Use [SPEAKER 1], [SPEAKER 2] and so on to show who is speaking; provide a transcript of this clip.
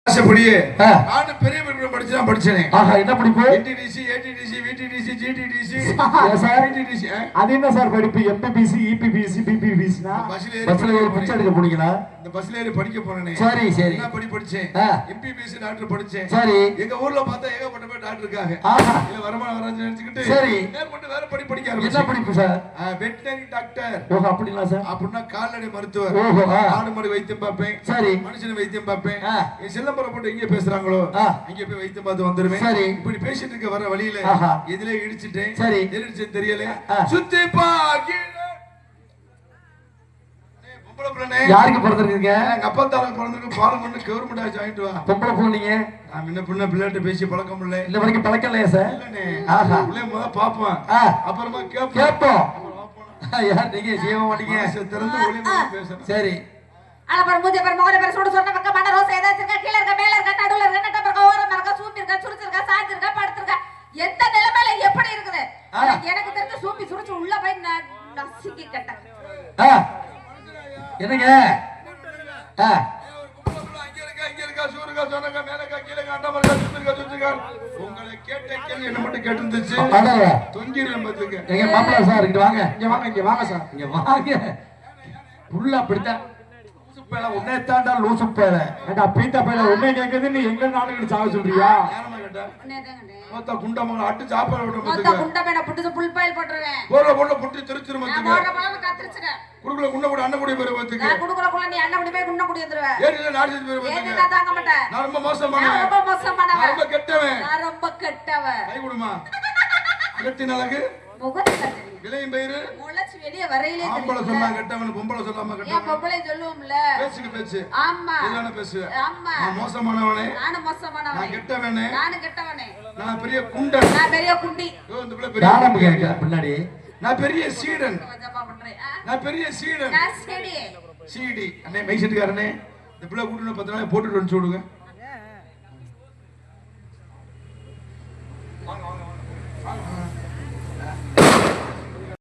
[SPEAKER 1] ஆசைப்படியே நானும் பெரிய படிச்சுதான் படிச்சேன்.
[SPEAKER 2] என்ன படிப்பு?
[SPEAKER 1] NTTC, ATTC, VTTC, GTTC.
[SPEAKER 2] அது என்ன சார் படிப்பு? எம்பிபிசி, இபிபிசி, பிபிபிசினா பஸ்ல ஏறி பிச்சை எடுக்க போனீங்களா?
[SPEAKER 1] இந்த பஸ்ல ஏறி படிக்க போனேனே.
[SPEAKER 2] சரி சரி.
[SPEAKER 1] என்ன படிச்சேன்? எம்பிபிசி டாக்டர் படிச்சேன்.
[SPEAKER 2] சரி.
[SPEAKER 1] எங்க ஊர்ல பார்த்தா ஏகப்பட்ட பேர் டாக்டர் இருக்காங்க. இல்ல வருமானம் வரான்னு நினைச்சிட்டு
[SPEAKER 2] சரி
[SPEAKER 1] மேற்கொண்டு வேற படிக்க ஆரம்பிச்சேன்.
[SPEAKER 2] என்ன படிப்பு சார்?
[SPEAKER 1] Veterinary doctor.
[SPEAKER 2] ஓஹோ அப்படிங்களா சார்?
[SPEAKER 1] அப்படின்னா கால்நடை மருத்துவர்.
[SPEAKER 2] ஓஹோ
[SPEAKER 1] ஆடு மாடு வைத்தியம் பார்ப்பேன்.
[SPEAKER 2] சரி.
[SPEAKER 1] மனுஷன் வைத்தியம் பார்ப்பேன். சிலம்பரம் போட்டு எங்க பேசுறாங்களோ அங்க போய் வைத்தியம் பார்த்து வந்துருவேன்.
[SPEAKER 2] சரி.
[SPEAKER 1] இப்படி பேசிட்டு இருக்க வர வழியில இதுல இடிச்சிட்டேன்.
[SPEAKER 2] சரி.
[SPEAKER 1] எரிச்சேன் தெரியல. சுத்தி பாக்கி
[SPEAKER 2] யாருக்கு பிறந்திருக்கீங்க?
[SPEAKER 1] எங்க அப்பா தாரங்க பிறந்திருக்கு. பாலம் பண்ணி கவர்மெண்ட் ஆச்சு வாங்கிட்டு வா.
[SPEAKER 2] பொம்பளை பிள்ளைங்க
[SPEAKER 1] நான் முன்ன பின்ன பிள்ளைகிட்ட பேசி பழக்கம் இல்லை.
[SPEAKER 2] இந்த வரைக்கும் பழக்கம் இல்லையா சார்?
[SPEAKER 1] உள்ளே முத பாப்போம், அப்புறமா
[SPEAKER 2] கேட்போம். யார் நீங்க செய்ய மாட்டீங்க?
[SPEAKER 1] திறந்து ஒளி பேசுறேன்.
[SPEAKER 2] சரி.
[SPEAKER 3] ஆனா பாரு மூஞ்சி பாரு முகர பாரு சுடு சொன்ன பக்கம் மண்ண ரோஸ் ஏதாச்சும் இருக்கா? கீழ இருக்க, மேல இருக்க, நடுவுல இருக்க, நட்ட பக்கம் ஓரமா இருக்க, சூப்பி இருக்கா, சுருச்சு இருக்கா, சாஞ்சு இருக்கா, படுத்து இருக்கா, எந்த நிலைமையில எப்படி இருக்குது? எனக்கு தெரிஞ்ச சூப்பி சுருச்சு உள்ள போய் நசுக்கி கட்ட.
[SPEAKER 2] என்னங்க?
[SPEAKER 1] உங்களை கேட்ட கேள்வி என்ன மட்டும் கேட்டுருந்துச்சு. தொங்கிடுவேன் பார்த்துக்க.
[SPEAKER 2] எங்க மாப்பிள்ளை சார் இங்க வாங்க, இங்க வாங்க சார், இங்க வாங்க. புள்ள அப்படித்தான் உன்னை தாண்டா லூசு பேர பீத்த பேர உன்னை கேக்குது. நீ எங்க நாளுக்கு சாக சொல்றியா?
[SPEAKER 1] மொத்த குண்டமங்க அட்டு சாப்பாடு விட்டு
[SPEAKER 3] மொத்த குண்டமேன புட்டு புல் பாயில் போட்டுறேன்.
[SPEAKER 1] போற போற புட்டு திருச்சிரு மத்துக்கு.
[SPEAKER 3] போற போற கத்திருச்சுங்க.
[SPEAKER 1] குடுக்குல குண்ட கூட அண்ணன் கூட பேர் வந்துக்கு.
[SPEAKER 3] நான் குடுக்குல குள்ள நீ அண்ணன் கூட போய் குண்ட கூட வந்துருவே.
[SPEAKER 1] ஏறில நாடி பேர் வந்துக்கு.
[SPEAKER 3] ஏறி நான் தாங்க மாட்டேன்.
[SPEAKER 1] நான் ரொம்ப மோசமானவன்.
[SPEAKER 3] நான் ரொம்ப மோசமானவன்.
[SPEAKER 1] நான் ரொம்ப கெட்டவன்.
[SPEAKER 3] நான் ரொம்ப கெட்டவன்.
[SPEAKER 1] கை குடுமா. அகத்தின் அழகு
[SPEAKER 3] முகத்துல தெரியும்.
[SPEAKER 1] விலையும் பயிரு
[SPEAKER 3] முளைச்சு வெளிய வரையிலே தெரியும்.
[SPEAKER 1] ஆம்பள சொன்னா கெட்டவன், பொம்பள சொல்லாம கெட்டவன்.
[SPEAKER 3] ஏன் பொம்பளை சொல்லுவோம்ல?
[SPEAKER 1] பேச்சுக்கு பேச்சு.
[SPEAKER 3] ஆமா.
[SPEAKER 1] இதான பேசு.
[SPEAKER 3] ஆமா.
[SPEAKER 1] நான் மோசமானவனே.
[SPEAKER 3] நான் மோசமானவனே.
[SPEAKER 1] நான் கெட்டவனே.
[SPEAKER 3] நான் கெட்டவனே.
[SPEAKER 1] நான் பெரிய குண்டன்.
[SPEAKER 3] நான் பெரிய குண்டி.
[SPEAKER 1] இந்த பிள்ளை பெரிய
[SPEAKER 2] யாரம்ப கேக்க பின்னாடி. நான்
[SPEAKER 1] பெரிய சீடன்.
[SPEAKER 3] ஜப்பா பண்றேன்.
[SPEAKER 1] நான் பெரிய சீடன்.
[SPEAKER 3] நான் சீடி.
[SPEAKER 1] சீடி. அண்ணே மைக் செட்டுக்காரனே இந்த பிள்ளை கூட்டின 10 நாள் போட்டுட்டு வந்து சொல்லுங்க.